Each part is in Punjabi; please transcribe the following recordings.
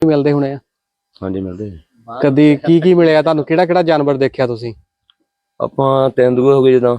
ਮਿਲਦੇ ਹੋਣੇ ਆ। ਹਾਂਜੀ ਮਿਲਦੇ। ਕਦੀ ਕੀ ਮਿਲਿਆ ਤੁਹਾਨੂੰ? ਕਿਹੜਾ ਜਾਨਵਰ ਦੇਖਿਆ ਤੁਸੀਂ? ਆਪਾਂ ਤੇਂਦੂਏ ਹੋ ਗਏ ਜਿੱਦਾਂ।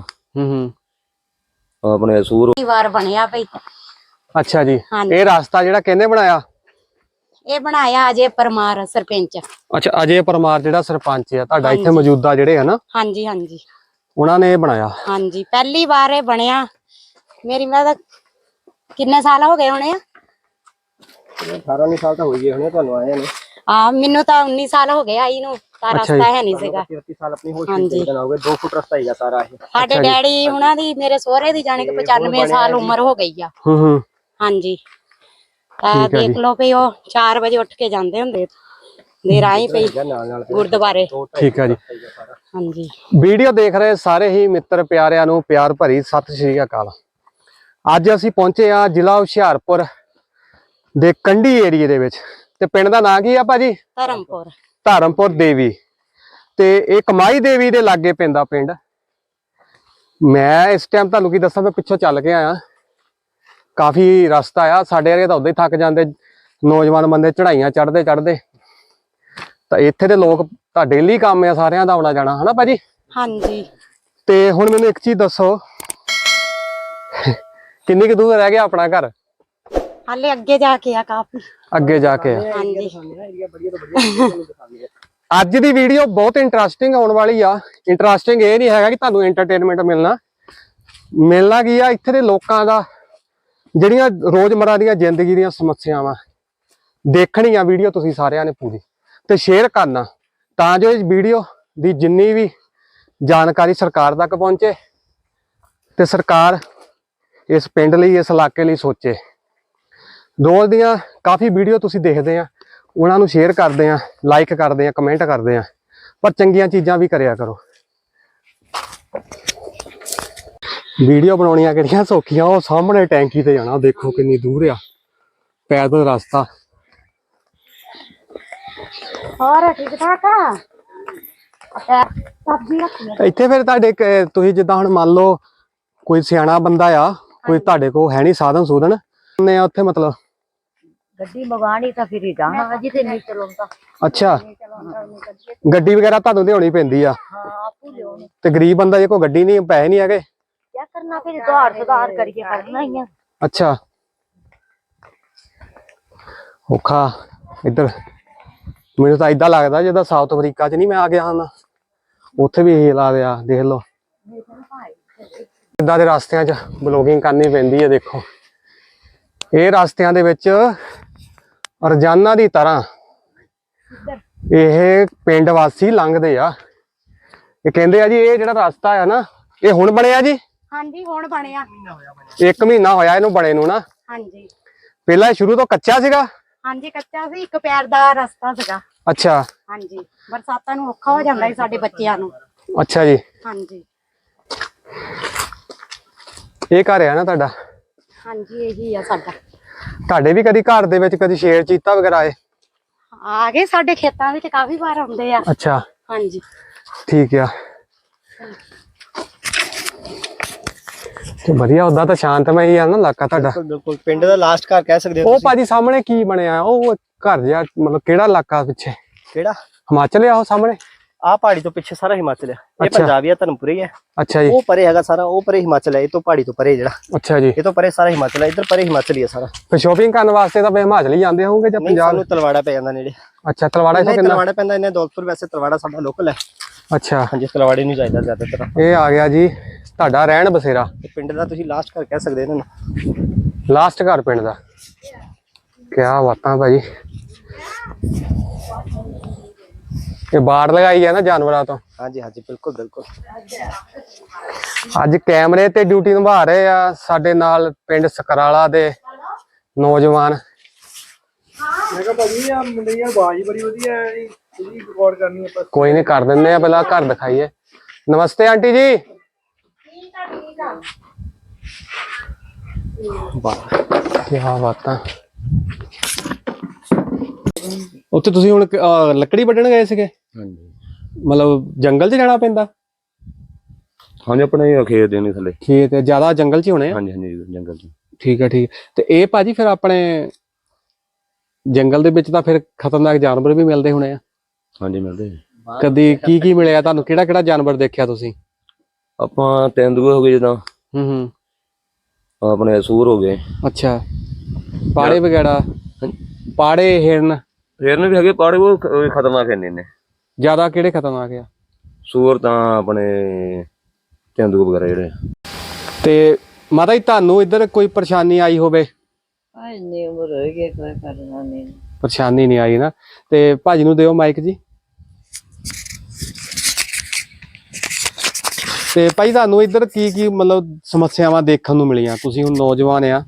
ਆਪਣੇ ਸੂਰ ਵਾਰ ਬਣਿਆ ਭਈ। ਅੱਛਾ ਜੀ। ਇਹ ਰਸਤਾ ਜਿਹੜਾ ਕਿਹਨੇ ਬਣਾਇਆ? ਇਹ ਬਣਾਇਆ ਅਜੇ ਪਰਮਾਰ ਸਰਪੰਚ। ਅੱਛਾ, ਅਜੇ ਪਰਮਾਰ ਜਿਹੜਾ ਸਰਪੰਚ ਆ ਤੁਹਾਡਾ ਇੱਥੇ ਮੌਜੂਦਾ ਜਿਹੜੇ ਹੈ ਨਾ? ਹਾਂਜੀ ਹਾਂਜੀ, ਉਹਨਾਂ ਨੇ ਇਹ ਬਣਾਇਆ। ਹਾਂਜੀ, ਪਹਿਲੀ ਵਾਰ ਇਹ ਬਣਿਆ। ਮੇਰੀ ਮੈਂ ਕਿੰਨੇ ਸਾਲ ਹੋ ਗਏ ਹੋਣੇ ਆ? 18 ਸਾਲ ਤਾਂ ਹੋ ਗਏ ਹੋਣੇ ਤੁਹਾਨੂੰ ਆਏ ਨੇ। ਮੈਨੂੰ ਤਾਂ 19 ਸਾਲ ਹੋ ਗਏ ਆਈ ਨੂੰ। ਤਾਂ ਰਸਤਾ ਹੈ ਨਹੀਂ ਸੀਗਾ। 30 ਸਾਲ ਆਪਣੀ ਹੋਸ਼ ਵਿੱਚ ਹੋ ਗਏ। 2 ਫੁੱਟ ਰਸਤਾ ਹੀਗਾ ਸਾਰਾ ਇਹ। ਸਾਡੇ ਡੈਡੀ ਹੁਣਾਂ ਦੀ, ਮੇਰੇ ਸਹੁਰੇ ਦੀ ਜਾਣੇ ਕਿ 95 ਸਾਲ ਉਮਰ ਹੋ ਗਈ ਆ। ਹਾਂਜੀ, ਤਾਂ ਦੇਖ ਲਓ ਵੀ ਉਹ 4 ਵਜੇ ਉੱਠ ਕੇ ਜਾਂਦੇ ਹੁੰਦੇ ਦੇ ਰਾਹੀਂ ਪਈ ਗੁਰਦੁਆਰੇ। ਠੀਕ ਹੈ ਜੀ। ਹਾਂਜੀ, ਵੀਡੀਓ ਦੇਖ ਰਹੇ ਸਾਰੇ ਹੀ ਮਿੱਤਰ ਪਿਆਰਿਆਂ ਨੂੰ ਪਿਆਰ ਭਰੀ ਸਤਿ ਸ਼੍ਰੀ ਅਕਾਲ। ਅੱਜ ਅਸੀਂ ਪਹੁੰਚੇ ਆ ਜ਼ਿਲ੍ਹਾ ਹੁਸ਼ਿਆਰਪੁਰ ਦੇ ਕੰਢੀ ਏਰੀਏ ਦੇ ਵਿੱਚ, ਤੇ ਪਿੰਡ ਦਾ ਨਾਂ ਕੀ ਆ ਭਾਜੀ? ਧਰਮਪੁਰ ਦੇਵੀ। ਤੇ ਇਹ ਕਮਾਈ ਦੇਵੀ ਦੇ ਲਾਗੇ ਪੈਂਦਾ ਪਿੰਡ। ਮੈਂ ਇਸ ਟਾਈਮ ਤੁਹਾਨੂੰ ਕੀ ਦੱਸਾਂ, ਮੈਂ ਪਿੱਛੋਂ ਚੱਲ ਕੇ ਆਇਆ। ਕਾਫੀ ਰਸਤਾ ਆ, ਸਾਡੇ ਵਰਗੇ ਤਾਂ ਉਦਾਂ ਹੀ ਥੱਕ ਜਾਂਦੇ, ਨੌਜਵਾਨ ਬੰਦੇ ਚੜਾਈਆਂ ਚੜਦੇ ਤਾਂ ਇੱਥੇ ਦੇ ਲੋਕ ਤਾਂ ਡੇਲੀ ਕੰਮ ਆ ਸਾਰਿਆਂ ਦਾ ਆਉਣਾ ਜਾਣਾ, ਹਨਾ ਭਾਜੀ? ਹਾਂਜੀ। ਤੇ ਹੁਣ ਮੈਨੂੰ ਇੱਕ ਚੀਜ਼ ਦੱਸੋ, ਕਿੰਨੀ ਕੁ ਦੂਰ ਰਹਿ ਗਿਆ ਆਪਣਾ ਘਰ? ਹਾਲੇ ਅੱਗੇ ਜਾ ਕੇ ਆ, ਕਾਫੀ ਅੱਗੇ ਜਾ ਕੇ ਆ। ਹਾਂਜੀ। ਅੱਜ ਦੀ ਵੀਡੀਓ ਬਹੁਤ ਇੰਟਰਸਟਿੰਗ ਆਉਣ ਵਾਲੀ ਆ। ਇੰਟਰਸਟਿੰਗ ਇਹ ਨਹੀਂ ਹੈਗਾ ਕਿ ਤੁਹਾਨੂੰ ਐਂਟਰਟੇਨਮੈਂਟ ਮਿਲਣਾ ਕੀ ਆ, ਇੱਥੇ ਦੇ ਲੋਕਾਂ ਦਾ ਜਿਹੜੀਆਂ ਰੋਜ਼ਮर्रा ਦੀਆਂ ਜ਼ਿੰਦਗੀ ਦੀਆਂ ਸਮੱਸਿਆਵਾਂ ਦੇਖਣੀ ਆ ਵੀਡੀਓ ਤੁਸੀਂ ਸਾਰਿਆਂ ਨੇ ਪੂਰੀ, ਤੇ ਸ਼ੇਅਰ ਕਰਨਾ ਤਾਂ ਜੋ ਇਸ ਵੀਡੀਓ ਦੀ ਜਿੰਨੀ ਵੀ ਜਾਣਕਾਰੀ ਸਰਕਾਰ ਤੱਕ ਪਹੁੰਚੇ ਤੇ ਸਰਕਾਰ ਇਸ ਪਿੰਡ ਲਈ, ਇਸ ਇਲਾਕੇ ਲਈ ਸੋਚੇ। ਰੋਜ਼ ਦੀਆਂ ਕਾਫੀ ਵੀਡੀਓ ਤੁਸੀਂ ਦੇਖਦੇ ਆ, ਉਹਨਾਂ ਨੂੰ ਸ਼ੇਅਰ ਕਰਦੇ ਆ, ਲਾਈਕ ਕਰਦੇ ਆ, ਕਮੈਂਟ ਕਰਦੇ ਆ, ਪਰ ਚੰਗੀਆਂ ਚੀਜ਼ਾਂ ਵੀ ਕਰਿਆ ਕਰੋ। ਵੀਡੀਓ ਬਣਾਉਣੀਆਂ ਕਿਹੜੀਆਂ ਸੌਖੀਆਂ, ਉਹ ਸਾਹਮਣੇ ਟੈਂਕੀ ਤੇ ਜਾਣਾ, ਦੇਖੋ ਕਿੰਨੀ ਦੂਰ ਆ ਪੈਦਲ ਰਸਤਾ। ਹੋਰ ਠੀਕ ਠਾਕ ਆ? ਸਬਜ਼ੀ ਰੱਖੀ ਇੱਥੇ ਫਿਰ ਤੁਹਾਡੇ ਤੁਸੀਂ ਜਿੱਦਾਂ ਹੁਣ ਮੰਨ ਲਓ ਕੋਈ ਸਿਆਣਾ ਬੰਦਾ ਆ, ਕੋਈ ਤੁਹਾਡੇ ਕੋਲ ਹੈ ਨਹੀਂ ਸਾਧਨ ਸੂਧਨ ਨੇ ਉੱਥੇ, ਮਤਲਬ ਗੱਡੀ ਮੰਗਾਣੀ ਤਾਂ ਫਿਰ ਹੀ ਜਾਣਾ, ਅਜੇ ਤੇ ਨਹੀਂ ਚਲਾਉਂਦਾ। ਅੱਛਾ, ਗੱਡੀ ਵਗੈਰਾ ਤੁਹਾਨੂੰ ਲਿਆਉਣੀ ਪੈਂਦੀ ਆ? ਹਾਂ, ਆਪੂ ਲਿਆਉਣੀ। ਤੇ ਗਰੀਬ ਬੰਦਾ ਜੇ ਕੋਈ ਗੱਡੀ ਨਹੀਂ, ਪੈਸੇ ਨਹੀਂ ਹੈਗੇ, ਕੀ ਕਰਨਾ ਫਿਰ? ਸੁਧਾਰ ਕਰੀਏ, ਕਰਨਾ ਹੀ ਆ। ਅੱਛਾ, ਔਖਾ। ਇੱਧਰ ਮੈਨੂੰ ਤਾਂ ਏਦਾਂ ਲੱਗਦਾ ਜਿੱਦਾਂ ਸਾਊਥ ਅਫਰੀਕਾ 'ਚ ਨਹੀਂ ਮੈਂ ਆ ਗਿਆ ਹਾਂ, ਉੱਥੇ ਵੀ ਇਹੀ ਲਾ ਦਿਆ। ਦੇਖ ਲਓ ਇੱਦਾਂ ਦੇ ਰਸਤਿਆਂ 'ਚ ਬਲੌਗਿੰਗ ਕਰਨੀ ਪੈਂਦੀ ਹੈ। ਦੇਖੋ ਇਹ ਰਸਤਿਆਂ ਦੇ ਵਿੱਚ ਰੋਜ਼ਾਨਾ ਦੀ ਤਰ੍ਹਾਂ ਇਹ ਪਿੰਡ ਵਾਸੀ ਲੰਘਦੇ ਆ। ਇਹ ਕਹਿੰਦੇ ਆ ਜੀ ਇਹ ਜਿਹੜਾ ਰਸਤਾ ਆ ਨਾ, ਇਹ ਹੁਣ ਬਣਿਆ ਜੀ? ਹਾਂਜੀ, ਹੁਣ ਬਣਿਆ। 1 ਮਹੀਨਾ ਹੋਇਆ ਇਹਨੂੰ ਬਣੇ ਨੂੰ ਨਾ? ਹਾਂਜੀ। ਪਹਿਲਾਂ ਸ਼ੁਰੂ ਤੋਂ ਕੱਚਾ ਸੀਗਾ? ਹਾਂਜੀ, ਕੱਚਾ ਸੀ, 1 ਪੈਰ ਦਾ ਰਸਤਾ ਸੀਗਾ। ਅੱਛਾ। ਹਾਂਜੀ, ਬਰਸਾਤਾਂ ਨੂੰ ਔਖਾ ਹੋ ਜਾਂਦਾ ਸੀ ਸਾਡੇ ਬੱਚਿਆਂ ਨੂੰ। ਅੱਛਾ ਜੀ। ਹਾਂਜੀ। ਇਹ ਘਰ ਆ ਨਾ ਤੁਹਾਡਾ? ਹਾਂਜੀ, ਇਹੀ ਆ ਸਾਡਾ। ਤੁਹਾਡੇ ਵੀ ਕਦੀ ਘਰ ਦੇ ਵਿੱਚ ਕਦੀ ਸ਼ੇਰ ਚੀਤਾ ਵਗੈਰਾ ਆਏ? ਆ ਗਏ, ਸਾਡੇ ਖੇਤਾਂ ਵਿੱਚ ਕਾਫੀ ਵਾਰ ਆਉਂਦੇ ਆ। ਅੱਛਾ, ਹਾਂਜੀ, ਠੀਕ ਆ। ਤੇ ਵਧੀਆ, ਉਦਾਂ ਤਾਂ ਸ਼ਾਂਤਮਈ ਹੀ ਆ ਨਾ ਇਲਾਕਾ ਤੁਹਾਡਾ? ਬਿਲਕੁਲ ਪਿੰਡ ਦਾ ਲਾਸਟ ਘਰ ਕਹਿ ਸਕਦੇ ਹੋ। ਉਹ ਭਾਜੀ ਸਾਹਮਣੇ ਕੀ ਬਣਿਆ ਉਹ ਘਰ ਜਿਹਾ, ਮਤਲਬ ਕਿਹੜਾ ਇਲਾਕਾ ਪਿੱਛੇ? ਕਿਹੜਾ? ਹਿਮਾਚਲ ਆ ਉਹ ਸਾਹਮਣੇ? ਆਹ ਪਹਾੜੀ ਤੋਂ ਪਿੱਛੇ ਸਾਰਾ ਹਿਮਾਚਲ ਹੈ। ਇਹ ਪੰਜਾਬ ਆ, ਧਰਮਪੁਰ ਹੀ ਹੈ। ਅੱਛਾ ਜੀ। ਉਹ ਪਰੇ ਹੈਗਾ ਸਾਰਾ, ਉਹ ਪਰੇ ਹਿਮਾਚਲ ਹੈ। ਇਹ ਤੋਂ ਪਹਾੜੀ ਤੋਂ ਪਰੇ ਜਿਹੜਾ। ਅੱਛਾ ਜੀ। ਇਹ ਤੋਂ ਪਰੇ ਸਾਰਾ ਹਿਮਾਚਲ ਹੈ, ਇੱਧਰ ਪਰੇ ਹਿਮਾਚਲ ਹੀ ਹੈ ਸਾਰਾ। ਫਿਰ ਸ਼ੋਪਿੰਗ ਕਰਨ ਵਾਸਤੇ ਤਾਂ ਹਿਮਾਚਲ ਹੀ ਜਾਂਦੇ ਹੋਣਗੇ ਜਾਂ ਪੰਜਾਬ? ਨੂੰ ਤਲਵਾੜਾ ਪੈ ਜਾਂਦਾ ਨੇੜੇ। ਅੱਛਾ, ਤਲਵਾੜਾ ਤੋਂ ਕਿੰਨਾ? ਤਲਵਾੜਾ ਪੈਂਦਾ ਇਹਨੇ ਦੌਲਤਪੁਰ, ਵੈਸੇ ਤਲਵਾੜਾ ਸਾਡਾ ਲੋਕਲ ਹੈ। ਅੱਛਾ, ਹਾਂਜੀ, ਤਲਵਾੜੇ ਨੂੰ ਜਾਈਦਾ ਜ਼ਿਆਦਾਤਰ। ਇਹ ਆ ਗਿਆ ਜੀ ਤੁਹਾਡਾ ਰਹਿਣ ਬਸੇਰਾ। ਪਿੰਡ ਦਾ ਤੁਸੀਂ ਲਾਸਟ ਘਰ ਕਹਿ ਸਕਦੇ ਇਹਨਾਂ ਨੂੰ। ਲਾਸਟ ਘਰ ਪਿੰਡ ਦਾ। ਕਿਆ ਬਾਤਾਂ ਭਾਜੀ। ਇਹ ਬਾੜ ਲਗਾਈ ਹੈ ਨਾ ਜਾਨਵਰਾਂ ਤੋਂ? ਹਾਂਜੀ ਹਾਂਜੀ, ਬਿਲਕੁਲ ਬਿਲਕੁਲ। ਅੱਜ ਕੈਮਰੇ ਤੇ ਡਿਊਟੀ ਨਿਭਾ ਰਹੇ ਆ ਸਾਡੇ ਨਾਲ ਪਿੰਡ ਸਕਰਾਲਾ ਦੇ ਨੌਜਵਾਨ। ਮੈਂ ਕਿਹਾ ਭਾਜੀ ਆ ਮੁੰਡੇ ਦੀ ਆਵਾਜ਼ ਬੜੀ ਵਧੀਆ ਹੈ ਜੀ, ਤੁਸੀਂ ਰਿਕਾਰਡ ਕਰਨੀ ਹੈ। ਕੋਈ ਨਹੀਂ, ਕਰ ਦਿੰਦੇ ਆ, ਪਹਿਲਾਂ ਘਰ ਦਿਖਾਈਏ। ਨਮਸਤੇ ਆਂਟੀ ਜੀ। ਠੀਕ ਆ, ਠੀਕ ਆ। ਕਿਆ ਬਾਤਾਂ। ਉੱਥੇ ਤੁਸੀਂ ਹੁਣ ਲੱਕੜੀ ਵੱਢਣ ਗਏ ਸੀਗੇ? ਹਾਂਜੀ। ਮਤਲਬ ਜੰਗਲ 'ਚ ਜਾਣਾ ਪੈਂਦਾ? ਹਾਂਜੀ, ਆਪਣੇ ਖੇਤ ਦੇ ਨੇ ਥੱਲੇ। ਖੇਤ ਜ਼ਿਆਦਾ ਜੰਗਲ 'ਚ ਹੋਣੇ ਆ? ਹਾਂਜੀ ਹਾਂਜੀ, ਜੰਗਲ 'ਚ। ਠੀਕ ਹੈ, ਠੀਕ। ਤੇ ਇਹ ਭਾਜੀ ਫਿਰ ਆਪਣੇ ਜੰਗਲ ਦੇ ਵਿੱਚ ਤਾਂ ਫਿਰ ਖਤਰਨਾਕ ਜਾਨਵਰ ਵੀ ਮਿਲਦੇ ਹੋਣੇ ਆ। ਹਾਂਜੀ ਮਿਲਦੇ ਜੀ। ਕਦੀ ਕੀ ਮਿਲਿਆ ਤੁਹਾਨੂੰ, ਕਿਹੜਾ ਕਿਹੜਾ ਜਾਨਵਰ ਦੇਖਿਆ ਤੁਸੀਂ? ਆਪਾਂ ਤੇਂਦੂਏ ਹੋ ਗਏ ਜਿੱਦਾਂ, ਹੂੰ ਆਪਣੇ ਸੂਰ ਹੋ ਗਏ। ਅੱਛਾ, ਪਾੜੇ ਵਗੈਰਾ, ਪਾੜੇ, ਹਿਰਨ ਹਿਰਨ ਵੀ ਹੈਗੇ, ਪਾੜੇ ਉਹ ਖਤਰਨਾਕ ਇੰਨੇ ਨੇ। ਜ਼ਿਆਦਾ ਕਿਹੜੇ ਖਤਰਨਾਕ ਆ? ਸੂਰ ਤਾਂ ਆਪਣੇ ਤੇਂਦੂਏ ਵਗੈਰਾ ਜਿਹੜੇ। ਤੇ ਮਾਤਾ ਜੀ ਤੁਹਾਨੂੰ ਇੱਧਰ ਕੋਈ ਪਰੇਸ਼ਾਨੀ ਆਈ ਹੋਵੇ? ਇੰਨੀ ਉਮਰ ਹੋ ਗਈ, ਕੋਈ ਕਰਨਾ ਨਹੀਂ। ਪਰੇਸ਼ਾਨੀ ਨਹੀਂ ਆਈ ਨਾ। ਤੇ ਭਾਜੀ ਨੂੰ ਦਿਓ ਮਾਈਕ ਜੀ। ਤੇ ਭਾਈ ਤੁਹਾਨੂੰ ਇੱਧਰ ਕੀ ਮਤਲਬ ਸਮੱਸਿਆਵਾਂ ਦੇਖਣ ਨੂੰ ਮਿਲੀਆਂ? ਤੁਸੀਂ ਹੁਣ ਨੌਜਵਾਨ ਆ।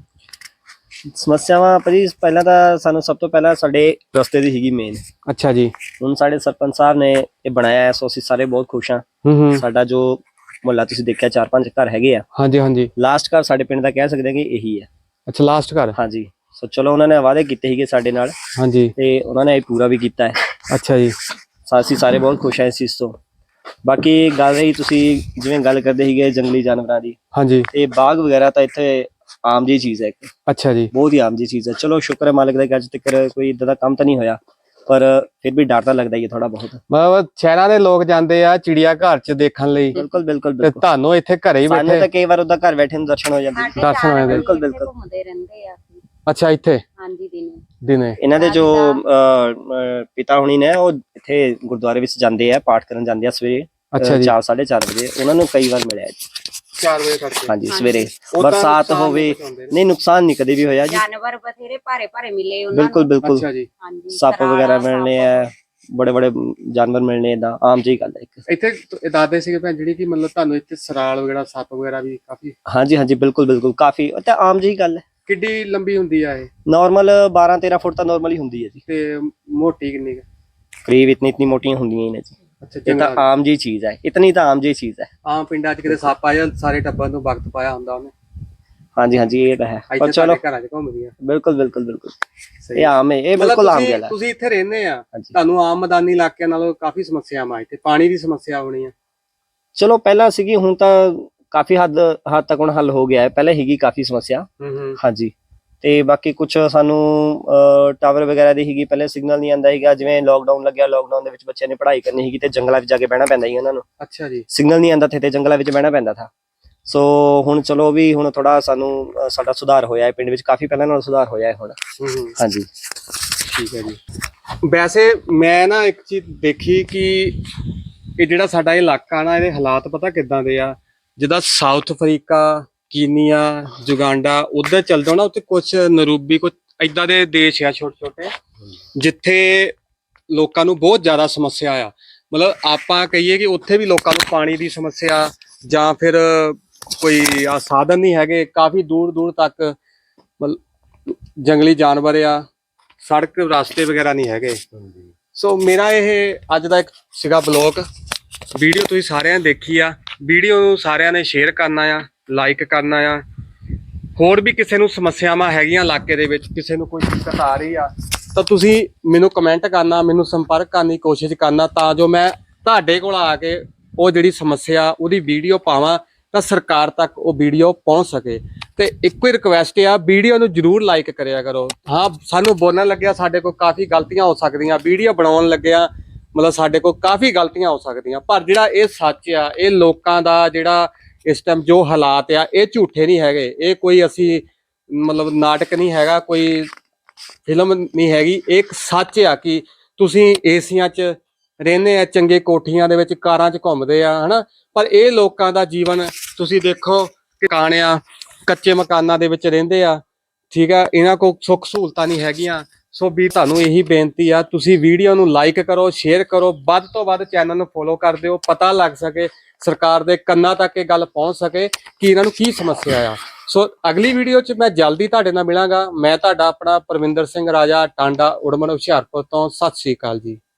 ਸਮੱਸਿਆਵਾਂ ਭਾਜੀ ਪਹਿਲਾਂ ਤਾਂ ਸਾਨੂੰ ਸਭ ਤੋਂ ਪਹਿਲਾਂ ਸਾਡੇ ਰਸਤੇ ਦੀ ਸੀਗੀ ਮੇਨ। ਅੱਛਾ ਜੀ। ਹੁਣ ਸਾਡੇ ਸਰਪੰਚ ਸਾਹਿਬ ਨੇ ਇਹ ਬਣਾਇਆ ਹੈ, ਸੋ ਅਸੀਂ ਸਾਰੇ ਬਹੁਤ ਖੁਸ਼ ਹਾਂ। ਹੂੰ ਸਾਡਾ ਜੋ ਮੁਹੱਲਾ ਤੁਸੀਂ ਦੇਖਿਆ 4-5 ਘਰ ਹੈਗੇ ਆ, ਹਾਂਜੀ ਹਾਂਜੀ। ਲਾਸਟ ਘਰ ਸਾਡੇ ਪਿੰਡ ਦਾ ਕਹਿ ਸਕਦੇ ਹਾਂ ਕਿ ਇਹੀ ਹੈ। ਅੱਛਾ, ਲਾਸਟ ਘਰ। ਹਾਂਜੀ, ਸੋ ਚਲੋ ਉਹਨਾਂ ਨੇ ਵਾਅਦੇ ਕੀਤੇ ਸੀਗੇ ਸਾਡੇ ਨਾਲ ਹਾਂਜੀ। ਤੇ ਉਹਨਾਂ ਨੇ ਇਹ ਪੂਰਾ ਵੀ ਕੀਤਾ ਹੈ। ਅੱਛਾ ਜੀ। ਅਸੀਂ ਸਾਰੇ ਬਹੁਤ ਖੁਸ਼ ਹਾਂ ਇਸ ਚੀਜ਼ ਤੋਂ। ਬਾਕੀ ਗੱਲ ਰਹੀ, ਤੁਸੀਂ ਜਿਵੇਂ ਗੱਲ ਕਰਦੇ ਸੀਗੇ ਜੰਗਲੀ ਜਾਨਵਰਾਂ ਦੀ, ਹਾਂਜੀ। ਤੇ ਬਾਗ ਵਗੈਰਾ ਤਾਂ ਇੱਥੇ ਆਮ ਜੀ ਚੀਜ਼ ਹੈ, ਇੱਕ ਅੱਛਾ ਜੀ। ਬਹੁਤ ਹੀ ਆਮ ਜੀ ਚੀਜ਼ ਹੈ। ਚਲੋ ਸ਼ੁਕਰ ਹੈ ਮਾਲਕ ਦਾ ਕਿ ਅੱਜ ਤੱਕ ਕੋਈ ਇਦਾਂ ਦਾ ਕੰਮ ਤਾਂ ਨਹੀਂ ਹੋਇਆ, ਪਰ ਫਿਰ ਵੀ ਡਰ ਤਾਂ ਲੱਗਦਾ ਹੀ ਹੈ ਥੋੜਾ ਬਹੁਤ। ਮਤਲਬ ਸ਼ਹਿਰਾਂ ਦੇ ਲੋਕ ਜਾਂਦੇ ਆ ਚਿੜੀਆ ਘਰ ਚ ਦੇਖਣ ਲਈ, ਬਿਲਕੁਲ ਬਿਲਕੁਲ ਤੇ ਬਿਲਕੁਲ। ਤੁਹਾਨੂੰ ਇੱਥੇ ਘਰੇ ਹੀ ਸਾਨੂੰ ਬੈਠੇ ਤਾਂ ਕਈ ਵਾਰ ਉਹਦਾ ਘਰ ਬੈਠੇ ਨੂੰ ਦਰਸ਼ਨ ਹੋ ਜਾਂਦੇ। ਦਰਸ਼ਨ ਹੋ ਜਾਂਦੇ। ਬਿਲਕੁਲ ਬਿਲਕੁਲ। ਘੁੰਮਦੇ ਰਹਿੰਦੇ ਆ। ਅੱਛਾ, ਇੱਥੇ ਹਾਂਜੀ, ਦਿਨੇ। ਇਹਨਾਂ ਦੇ ਜੋ ਪਿਤਾ ਹੁਣੀ ਨੇ ਉਹ ਇੱਥੇ ਗੁਰਦੁਆਰੇ ਵਿੱਚ ਜਾਂਦੇ ਆ, ਪਾਠ ਕਰਨ ਜਾਂਦੇ ਆ ਸਵੇਰੇ। ਅੱਛਾ ਜੀ। 4-4:30 ਵਜੇ ਉਹਨਾਂ ਨੂੰ ਕਈ ਵਾਰ ਮਿਲਿਆ ਜੀ। 4 ਵਜੇ ਤੱਕ। ਹਾਂਜੀ, ਸਵੇਰੇ ਬਰਸਾਤ ਹੋਵੇ, ਨਹੀਂ ਨੁਕਸਾਨ ਨਹੀਂ ਕਦੇ ਵੀ ਹੋਇਆ ਜੀ। ਜਾਨਵਰ ਬਥੇਰੇ ਭਾਰੇ ਮਿਲੇ ਉਹਨਾਂ ਨੂੰ। ਬਿਲਕੁਲ ਬਿਲਕੁਲ। ਅੱਛਾ ਜੀ। ਹਾਂਜੀ, ਸੱਪ ਵਗੈਰਾ ਮਿਲਣੇ ਆ, ਬੜੇ ਜਾਨਵਰ ਮਿਲਣੇ, ਏਦਾਂ ਆਮ ਜਿਹੀ ਗੱਲ ਹੈ ਇੱਕ। ਇੱਥੇ ਦਾਦੇ ਸੀਗੇ ਭੈਣ ਜਿਹੜੀ ਕਿ ਮਤਲਬ ਤੁਹਾਨੂੰ ਇੱਥੇ ਸਰਾਲ ਵਗੈਰਾ, ਸੱਪ ਵਗੈਰਾ ਵੀ ਕਾਫੀ? ਹਾਂਜੀ ਹਾਂਜੀ, ਬਿਲਕੁਲ ਬਿਲਕੁਲ, ਕਾਫੀ ਉਹ ਤਾਂ ਆਮ ਜਿਹੀ ਗੱਲ ਹੈ। ਕਿੱਡੀ ਲੰਬੀ ਹੁੰਦੀ ਆ ਇਹ? ਨਾਰਮਲ 12-13 ਫੁੱਟ ਤਾਂ ਨਾਰਮਲੀ ਹੁੰਦੀ ਹੈ ਜੀ। ਤੇ ਮੋਟੀ ਕਿੰਨੀ? ਕਰੀਬ ਇਤਨੀ ਮੋਟੀਆਂ ਹੁੰਦੀਆਂ ਹੀ ਨੇ ਜੀ। ਅੱਛਾ, ਇਹ ਤਾਂ ਆਮ ਜਿਹੀ ਚੀਜ਼ ਹੈ, ਇਤਨੀ ਤਾਂ ਆਮ ਜਿਹੀ ਚੀਜ਼ ਹੈ। ਆਮ ਪਿੰਡਾਂ 'ਚ ਕਿਤੇ ਸੱਪ ਆ ਜਾਂ ਸਾਰੇ ਟੱਬਰ ਨੂੰ ਵਕਤ ਪਾਇਆ ਹੁੰਦਾ ਉਹਨੇ। ਹਾਂਜੀ ਹਾਂਜੀ, ਇਹ ਤਾਂ ਹੈ। ਪਰ ਇੱਥੇ ਚਲੋ, ਸਾਡੇ ਘਰਾਂ 'ਚ ਘੁੰਮਦੀਆਂ। ਬਿਲਕੁਲ ਬਿਲਕੁਲ ਬਿਲਕੁਲ, ਸਹੀ। ਇਹ ਆਮ ਹੈ, ਇਹ ਮਤਲਬ ਬਿਲਕੁਲ ਆਮ ਗੱਲ ਹੈ। ਤੁਸੀਂ ਇੱਥੇ ਰਹਿੰਦੇ ਆ, ਹਾਂਜੀ। ਤੁਹਾਨੂੰ ਆਮ ਮੈਦਾਨੀ ਇਲਾਕਿਆਂ ਨਾਲੋਂ ਕਾਫੀ ਸਮੱਸਿਆਵਾਂ, ਇੱਥੇ ਪਾਣੀ ਦੀ ਸਮੱਸਿਆ ਹੋਣੀ ਆ। ਚਲੋ ਪਹਿਲਾਂ ਸੀਗੀ, ਹੁਣ ਤਾਂ ਕਾਫੀ ਹੱਦ ਤੱਕ ਹੁਣ ਹੱਲ ਹੋ ਗਿਆ ਹੈ। ਪਹਿਲਾਂ ਸੀਗੀ ਕਾਫੀ ਸਮੱਸਿਆ। ਹੂੰ। ਹਾਂਜੀ, ਤੇ ਬਾਕੀ ਕੁਝ ਸਾਨੂੰ ਟਾਵਰ ਵਗੈਰਾ ਦੀ ਸੀਗੀ, ਪਹਿਲੇ ਸਿਗਨਲ ਨਹੀਂ ਆਉਂਦਾ ਸੀਗਾ। ਜਿਵੇਂ ਲੋਕਡਾਊਨ ਲੱਗਿਆ, ਲੋਕਡਾਊਨ ਦੇ ਵਿੱਚ ਬੱਚਿਆਂ ਨੇ ਪੜ੍ਹਾਈ ਕਰਨੀ ਸੀਗੀ ਤੇ ਜੰਗਲਾਂ ਵਿੱਚ ਜਾ ਕੇ ਬਹਿਣਾ ਪੈਂਦਾ ਸੀ ਉਹਨਾਂ ਨੂੰ। ਅੱਛਾ ਜੀ। ਸਿਗਨਲ ਨਹੀਂ ਆਉਂਦਾ ਤੇ ਜੰਗਲਾਂ ਵਿੱਚ ਬਹਿਣਾ ਪੈਂਦਾ ਥਾ। ਸੋ ਹੁਣ ਚਲੋ ਵੀ ਹੁਣ ਥੋੜਾ ਸਾਨੂੰ ਸਾਡਾ ਸੁਧਾਰ ਹੋਇਆ ਹੈ ਪਿੰਡ ਵਿੱਚ, ਕਾਫੀ ਪਹਿਲਾਂ ਨਾਲੋਂ ਸੁਧਾਰ ਹੋਇਆ ਹੈ ਹੁਣ। ਹੂੰ। ਹਾਂਜੀ, ਠੀਕ ਹੈ ਜੀ। ਵੈਸੇ ਮੈਂ ਨਾ ਇੱਕ ਚੀਜ਼ ਦੇਖੀ ਕਿ ਇਹ ਜਿਹੜਾ ਸਾਡਾ ਇਲਾਕਾ ਨਾ, ਇਹਦੇ ਹਾਲਾਤ ਪਤਾ ਕਿੱਦਾਂ ਦੇ ਆ। ਜਿੱਦਾਂ ਸਾਊਥ ਅਫਰੀਕਾ, ਕੀਨੀਆ, ਯੁਗਾਂਡਾ, ਉਧਰ ਚੱਲ ਜਾਓ ਨਾ, ਉੱਥੇ ਕੁਛ ਨਰੂਬੀ, ਕੁਛ ਏਦਾਂ ਦੇ ਦੇਸ਼ ਆ ਛੋਟੇ ਛੋਟੇ, ਜਿੱਥੇ ਲੋਕਾਂ ਨੂੰ ਬਹੁਤ ਜ਼ਿਆਦਾ ਸਮੱਸਿਆ ਆ। ਮਤਲਬ ਆਪਾਂ ਕਹੀਏ ਕਿ ਉੱਥੇ ਵੀ ਲੋਕਾਂ ਨੂੰ ਪਾਣੀ ਦੀ ਸਮੱਸਿਆ ਜਾਂ ਫਿਰ ਕੋਈ ਆ ਸਾਧਨ ਨਹੀਂ ਹੈਗੇ, ਕਾਫੀ ਦੂਰ ਦੂਰ ਤੱਕ ਮਤਲਬ ਜੰਗਲੀ ਜਾਨਵਰ ਆ, ਸੜਕ ਰਸਤੇ ਵਗੈਰਾ ਨਹੀਂ ਹੈਗੇ। ਸੋ ਮੇਰਾ ਇਹ ਅੱਜ ਦਾ ਇੱਕ ਸੀਗਾ ਬਲੌਗ ਵੀਡੀਓ, ਤੁਸੀਂ ਸਾਰਿਆਂ ਨੇ ਦੇਖੀ ਆ। ਵੀਡੀਓ ਨੂੰ ਸਾਰਿਆਂ ਨੇ ਸ਼ੇਅਰ ਕਰਨਾ ਆ, ਲਾਈਕ ਕਰਨਾ ਆ। ਹੋਰ ਵੀ ਕਿਸੇ ਨੂੰ ਸਮੱਸਿਆਵਾਂ ਹੈਗੀਆਂ ਇਲਾਕੇ ਦੇ ਵਿੱਚ, ਕਿਸੇ ਨੂੰ ਕੋਈ ਦਿੱਕਤ ਆ ਰਹੀ ਆ, ਤਾਂ ਤੁਸੀਂ ਮੈਨੂੰ ਕਮੈਂਟ ਕਰਨਾ, ਮੈਨੂੰ ਸੰਪਰਕ ਕਰਨ ਦੀ ਕੋਸ਼ਿਸ਼ ਕਰਨਾ, ਤਾਂ ਜੋ ਮੈਂ ਤੁਹਾਡੇ ਕੋਲ ਆ ਕੇ ਉਹ ਜਿਹੜੀ ਸਮੱਸਿਆ ਉਹਦੀ ਵੀਡੀਓ ਪਾਵਾਂ ਤਾਂ ਸਰਕਾਰ ਤੱਕ ਉਹ ਵੀਡੀਓ ਪਹੁੰਚ ਸਕੇ। ਤੇ ਇੱਕੋ ਹੀ ਰਿਕੁਐਸਟ ਆ, ਵੀਡੀਓ ਨੂੰ ਜਰੂਰ ਲਾਈਕ ਕਰਿਆ ਕਰੋ। ਹਾਂ, ਸਾਨੂੰ ਬੋਲਣ ਲੱਗਿਆ ਸਾਡੇ ਕੋਲ ਕਾਫੀ ਗਲਤੀਆਂ ਹੋ ਸਕਦੀਆਂ, ਵੀਡੀਓ ਬਣਾਉਣ ਲੱਗਿਆ ਮਤਲਬ ਸਾਡੇ ਕੋਲ ਕਾਫੀ ਗਲਤੀਆਂ ਹੋ ਸਕਦੀਆਂ, ਪਰ ਜਿਹੜਾ ਇਹ ਸੱਚ ਆ, ਇਹ ਲੋਕਾਂ ਦਾ ਜਿਹੜਾ ਇਸ ਟਾਈਮ ਜੋ ਹਾਲਾਤ ਆ, ਇਹ ਝੂਠੇ ਨਹੀਂ ਹੈਗੇ। ਇਹ ਕੋਈ ਅਸੀਂ ਮਤਲਬ ਨਾਟਕ ਨਹੀਂ ਹੈਗਾ, ਕੋਈ ਫਿਲਮ ਨਹੀਂ ਹੈਗੀ। ਇਹ ਇੱਕ ਸੱਚ ਆ ਕਿ ਤੁਸੀਂ ਏਸੀਆਂ 'ਚ ਰਹਿੰਦੇ ਆ, ਚੰਗੇ ਕੋਠੀਆਂ ਦੇ ਵਿੱਚ, ਕਾਰਾਂ 'ਚ ਘੁੰਮਦੇ ਆ, ਹਨਾ, ਪਰ ਇਹ ਲੋਕਾਂ ਦਾ ਜੀਵਨ ਤੁਸੀਂ ਦੇਖੋ, ਕਾਣਿਆ ਕੱਚੇ ਮਕਾਨਾਂ ਦੇ ਵਿੱਚ ਰਹਿੰਦੇ ਆ। ਠੀਕ ਆ, ਇਹਨਾਂ ਕੋਲ ਸੁੱਖ ਸਹੂਲਤਾਂ ਨਹੀਂ ਹੈਗੀਆਂ। ਸੋ ਵੀ ਤੁਹਾਨੂੰ ਇਹੀ ਬੇਨਤੀ ਆ, ਤੁਸੀਂ ਵੀਡੀਓ ਨੂੰ ਲਾਈਕ ਕਰੋ, ਸ਼ੇਅਰ ਕਰੋ, ਵੱਧ ਤੋਂ ਵੱਧ ਚੈਨਲ ਨੂੰ ਫੋਲੋ ਕਰ ਦਿਓ, ਪਤਾ ਲੱਗ ਸਕੇ, ਸਰਕਾਰ ਦੇ ਕੰਨਾਂ ਤੱਕ ਇਹ ਗੱਲ ਪਹੁੰਚ ਸਕੇ ਕਿ ਇਹਨਾਂ ਨੂੰ ਕੀ ਸਮੱਸਿਆ ਆ। ਸੋ ਅਗਲੀ ਵੀਡੀਓ 'ਚ ਮੈਂ ਜਲਦੀ ਤੁਹਾਡੇ ਨਾਲ ਮਿਲਾਂਗਾ। ਮੈਂ ਤੁਹਾਡਾ ਆਪਣਾ ਪਰਵਿੰਦਰ ਸਿੰਘ ਰਾਜਾ, ਟਾਂਡਾ, ਉੜਮਣ, ਹੁਸ਼ਿਆਰਪੁਰ ਤੋਂ। ਸਤਿ ਸ੍ਰੀ ਅਕਾਲ ਜੀ।